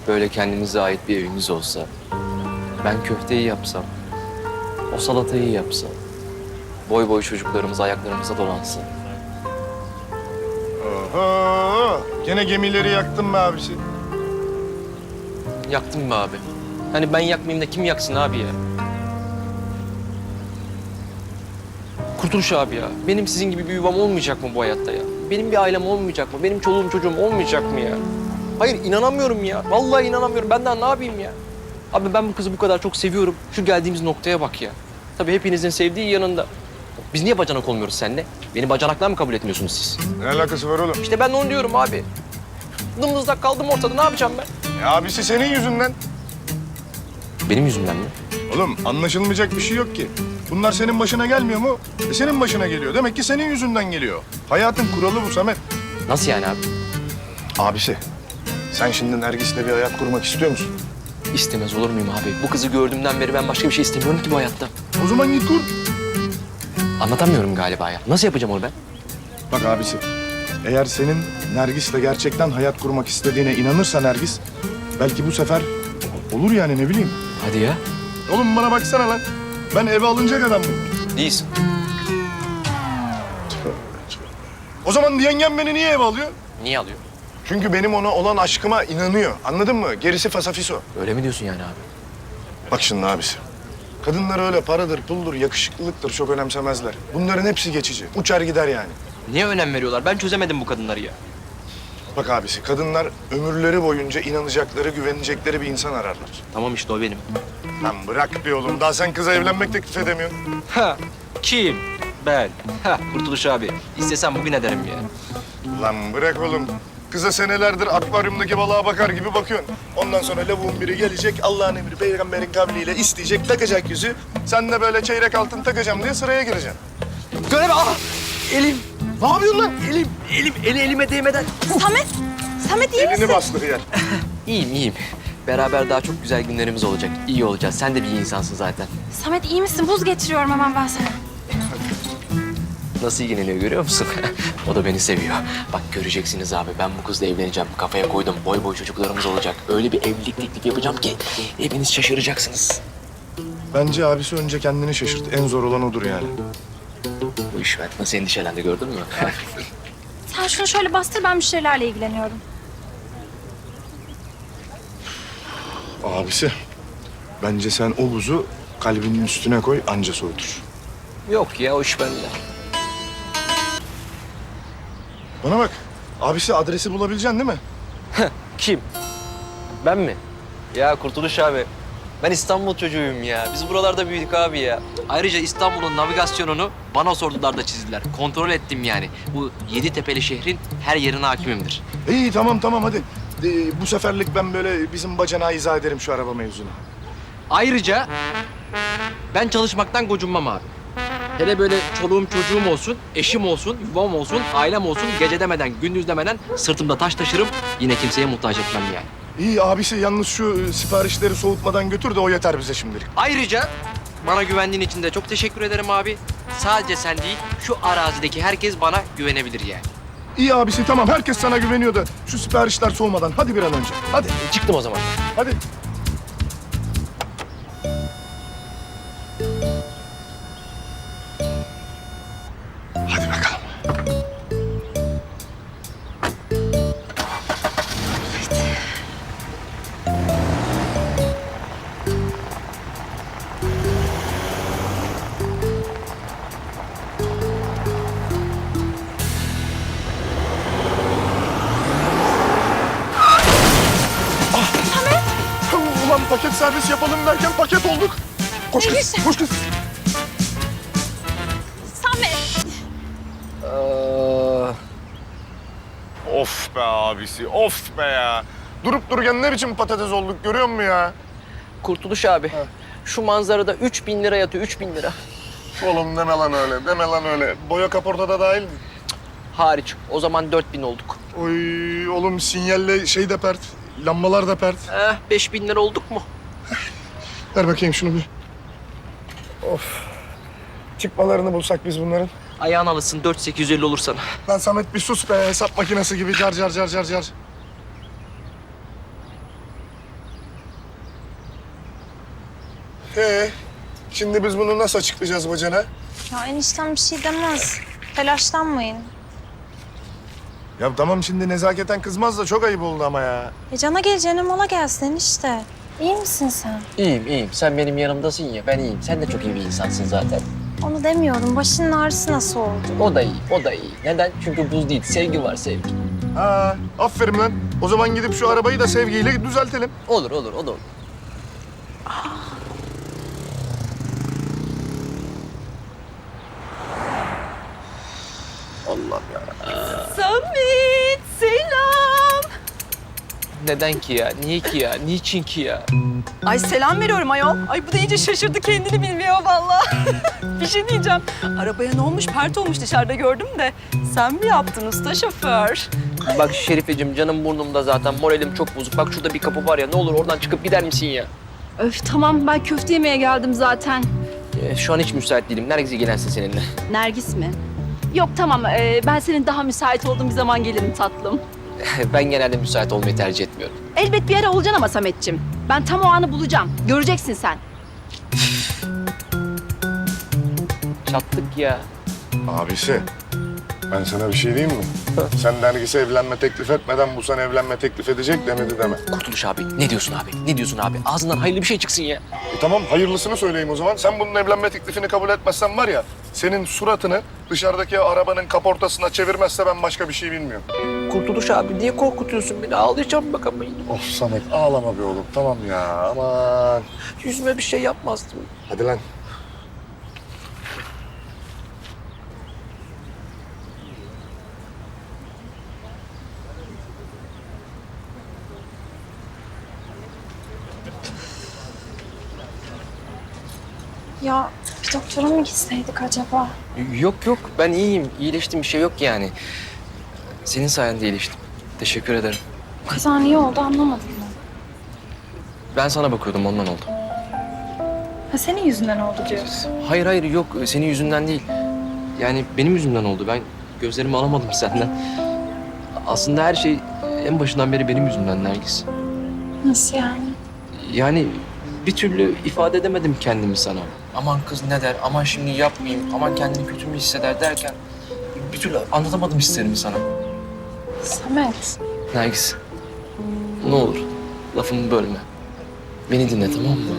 böyle kendinize ait bir eviniz olsa, ben köfteyi yapsam, o salatayı yapsam, boy boy çocuklarımız ayaklarımıza dolansın. Oho! Gene gemileri yaktın be abisi. Yaktın mı abi? Hani ben yakmayayım da kim yaksın abi ya? Kurtuluş abi ya. Benim sizin gibi bir yuvam olmayacak mı bu hayatta ya? Benim bir ailem olmayacak mı? Benim çoluğum çocuğum olmayacak mı ya? Hayır inanamıyorum ya. Vallahi inanamıyorum. Ben daha ne yapayım ya? Abi ben bu kızı bu kadar çok seviyorum. Şu geldiğimiz noktaya bak ya. Tabii hepinizin sevdiği yanında. Biz niye bacanak olmuyoruz seninle? Beni bacanaklar mı kabul etmiyorsunuz siz? Ne alakası var oğlum? İşte ben de onu diyorum abi. Dımdızlak kaldım ortada. Ne yapacağım ben? Abisi senin yüzünden. Benim yüzümden mi? Oğlum anlaşılmayacak bir şey yok ki. Bunlar senin başına gelmiyor mu? Senin başına geliyor. Demek ki senin yüzünden geliyor. Hayatın kuralı bu Samet. Nasıl yani abi? Abisi, sen şimdi Nergis'le bir hayat kurmak istiyor musun? İstemez olur muyum abi? Bu kızı gördüğümden beri ben başka bir şey istemiyorum ki bu hayatta. O zaman git kur. Anlatamıyorum galiba ya. Nasıl yapacağım onu ben? Bak abisi, eğer senin Nergis'le gerçekten hayat kurmak istediğine inanırsa Nergis, belki bu sefer olur yani ne bileyim. Hadi ya. Oğlum bana baksana lan. Ben eve alınacak adam mıyım? Değilsin. O zaman yengem beni niye eve alıyor? Niye alıyor? Çünkü benim ona olan aşkıma inanıyor. Anladın mı? Gerisi fasafiso. Öyle mi diyorsun yani abi? Bak şimdi abisi. Kadınlar öyle paradır, puldur, yakışıklılıktır çok önemsemezler. Bunların hepsi geçici. Uçar gider yani. Niye önem veriyorlar? Ben çözemedim bu kadınları ya. Bak abisi, kadınlar ömürleri boyunca inanacakları, güvenecekleri bir insan ararlar. Tamam işte o benim. Lan bırak bir oğlum. Daha sen kıza evlenmek teklif edemiyorsun. Ha, kim? Ben. Ha, Kurtuluş abi. İstesem bugün ederim ya. Lan bırak oğlum. Kıza senelerdir akvaryumdaki balığa bakar gibi bakıyorsun. Ondan sonra lavuğun biri gelecek, Allah'ın emri, peygamberin kavliyle isteyecek, takacak yüzü. Sen de böyle çeyrek altın takacağım diye sıraya gireceksin. Göreme! Ah! Elim! Ne yapıyorsun lan? Elime değmeden. Samet iyi misin? Elini bastır yer. İyiyim. Beraber daha çok güzel günlerimiz olacak. İyi olacağız. Sen de bir iyi insansın zaten. Samet iyi misin? Buz getiriyorum hemen ben sana. Nasıl ilgileniyor görüyor musun? O da beni seviyor. Bak göreceksiniz abi ben bu kızla evleneceğim. Kafaya koydum. Boy boy çocuklarımız olacak. Öyle bir evlilik teklifi yapacağım ki hepiniz şaşıracaksınız. Bence abisi önce kendini şaşırt. En zor olan odur yani. Bu iş nasıl endişelendi gördün mü? Sen şunu şöyle bastır, ben müşterilerle ilgileniyorum. Abisi, bence sen o buzu kalbinin üstüne koy, anca soğutur. Yok ya o iş bende. Bana bak, abisi adresi bulabileceksin değil mi? Kim? Ben mi? Ya Kurtuluş abi. Ben İstanbul çocuğuyum ya. Biz buralarda büyüdük abi ya. Ayrıca İstanbul'un navigasyonunu bana sordular da çizdiler. Kontrol ettim yani. Bu Yeditepe'li şehrin her yerine hakimimdir. İyi tamam hadi. Bu seferlik ben böyle bizim bacanağı izah ederim şu araba mevzunu. Ayrıca ben çalışmaktan gocunmam abi. Hele böyle çoluğum çocuğum olsun, eşim olsun, yuvam olsun, ailem olsun, gece demeden, gündüz demeden sırtımda taş taşırım. Yine kimseye muhtaç etmem yani. İyi abisi yalnız şu siparişleri soğutmadan götür de o yeter bize şimdilik. Ayrıca bana güvendiğin için de çok teşekkür ederim abi. Sadece sen değil, şu arazideki herkes bana güvenebilir yani. İyi abisi tamam herkes sana güveniyor da şu siparişler soğumadan hadi bir an önce. Hadi Çıktım o zaman. hadi. Hadi bakalım. Ulan paket servis yapalım derken paket olduk. Koş kız, Nergis. koş kız. Samet! Of be abisi, of be ya. Durup dururken ne biçim patates olduk görüyor musun ya? Kurtuluş abi, şu manzarada 3.000 lira yatıyor, 3.000 lira. Oğlum deme lan öyle, deme lan öyle. Boya kaporta da dahil mi? Hariç, o zaman 4.000 olduk. Oy oğlum sinyalle şey de pert, lambalar da pert. 5.000 lira olduk mu? Ver bakayım şunu bir. Of. Çıkmalarını bulsak biz bunların. Ayağın alışsın, 4.850 olur sana. Lan Samet bir sus be, hesap makinesi gibi car car car car car. Şimdi biz bunu nasıl açıklayacağız bacana? Ya eniştem bir şey demez. Telaşlanmayın. Ya tamam şimdi nezaketen kızmaz da çok ayıp oldu ama ya. Cana geleceğine mala gelsin enişte. İyi misin sen? İyiyim. Sen benim yanımdasın ya. Ben iyiyim. Sen de çok iyi bir insansın zaten. Onu demiyorum. Başının ağrısı nasıl oldu? O da iyi. Neden? Çünkü buz değil. Sevgi var, sevgi. Ha, aferin lan. O zaman gidip şu arabayı da sevgiyle düzeltelim. Olur, o da olur. Allah'ım ya. Samet, selam. Neden ki ya? Niye ki ya? Niçin ki ya? Ay selam veriyorum ayol. Ay bu da iyice şaşırdı, kendini bilmiyor vallahi. Bir şey diyeceğim. Arabaya ne olmuş? Pert olmuş dışarıda gördüm de. Sen mi yaptın usta şoför? Bak Şerifeciğim, canım burnumda zaten. Moralim çok bozuk. Bak şurada bir kapı var ya. Ne olur oradan çıkıp gider misin ya? Öf tamam, ben köfte yemeye geldim zaten. Şu an hiç müsait değilim. Nergis ilgilensin seninle. Nergis mi? Yok tamam, ben senin daha müsait olduğun bir zaman gelirim tatlım. Ben genelde müsait olmayı tercih etmiyorum. Elbet bir ara olacaksın ama Sametciğim. Ben tam o anı bulacağım. Göreceksin sen. Çattık ya. Abisi, ben sana bir şey diyeyim mi? Sen Nergis'e evlenme teklif etmeden bu sana evlenme teklif edecek demedi deme. Kurtuluş abi. Ne diyorsun abi? Ne diyorsun abi? Ağzından hayırlı bir şey çıksın ya. Tamam, hayırlısını söyleyeyim o zaman. Sen bunun evlenme teklifini kabul etmezsen var ya, senin suratını dışarıdaki arabanın kaportasına çevirmezse ben başka bir şey bilmiyorum. Kurtuluş abi, niye korkutuyorsun beni? Ağlayacağım bak ama. Of Samet, ağlama be oğlum. Tamam ya, aman. Yüzüme bir şey yapmazdım. Hadi lan. Ya bir doktora mı gitseydik acaba? Yok, ben iyiyim. İyileştim, bir şey yok yani. Senin sayende iyileştim. Teşekkür ederim. Bu kaza niye oldu anlamadım ben. Ben sana bakıyordum, ondan oldu. Ha senin yüzünden oldu diyorsun. Hayır yok, senin yüzünden değil. Yani benim yüzümden oldu. Ben gözlerimi alamadım senden. Aslında her şey en başından beri benim yüzümden Nergis. Nasıl yani? Yani bir türlü ifade edemedim kendimi sana. Aman kız ne der, aman şimdi yapmayayım, aman kendini kötü mü hisseder derken... ...bir türlü anlatamadım hislerimi sana. Samet. Nergis, ne olur lafımı bölme. Beni dinle, tamam mı?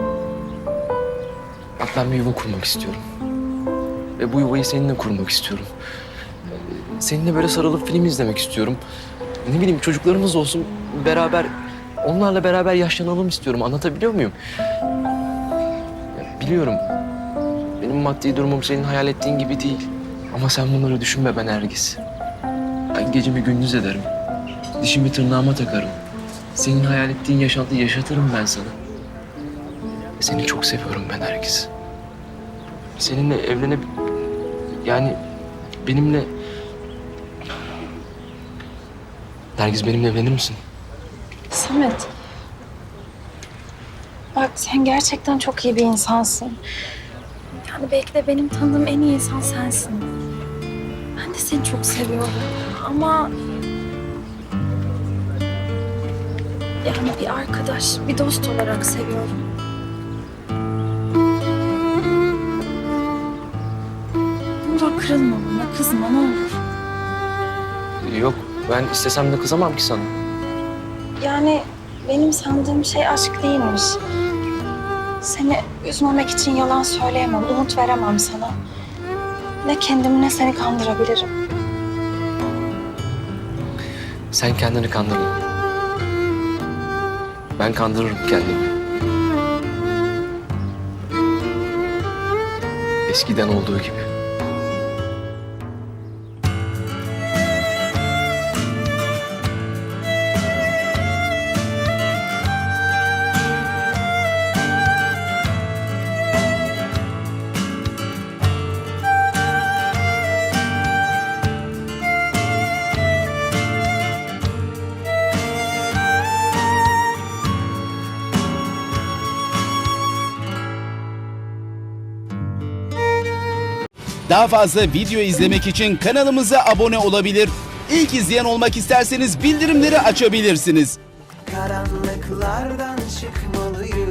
Bak ben bir yuva kurmak istiyorum. Ve bu yuvayı seninle kurmak istiyorum. Seninle böyle sarılıp film izlemek istiyorum. Ne bileyim, çocuklarımız olsun, beraber... ...onlarla beraber yaşlanalım istiyorum. Anlatabiliyor muyum? Ya biliyorum, benim maddi durumum senin hayal ettiğin gibi değil. Ama sen bunları düşünme be Nergis. Ben gecemi gündüz ederim. Dişimi tırnağıma takarım. Senin hayal ettiğin yaşantıyı yaşatırım ben sana. Seni çok seviyorum ben Nergis. Seninle evlenip... Yani benimle... Nergis, benimle evlenir misin? Samet. Bak sen gerçekten çok iyi bir insansın. Yani belki de benim tanıdığım en iyi insan sensin. Ben de seni çok seviyorum. Ama... Yani bir arkadaş, bir dost olarak seviyorum. Ne olur kırılma bana, kızma ne olur. Yok, ben istesem de kızamam ki sana. Yani benim sandığım şey aşk değilmiş. Seni üzmemek için yalan söyleyemem, umut veremem sana. Ne kendimi ne seni kandırabilirim. Sen kendini kandırma. Ben kandırırım kendimi. Eskiden olduğu gibi. Daha fazla video izlemek için kanalımıza abone olabilir. İlk izleyen olmak isterseniz bildirimleri açabilirsiniz. Karanlıklardan çıkmalıyım.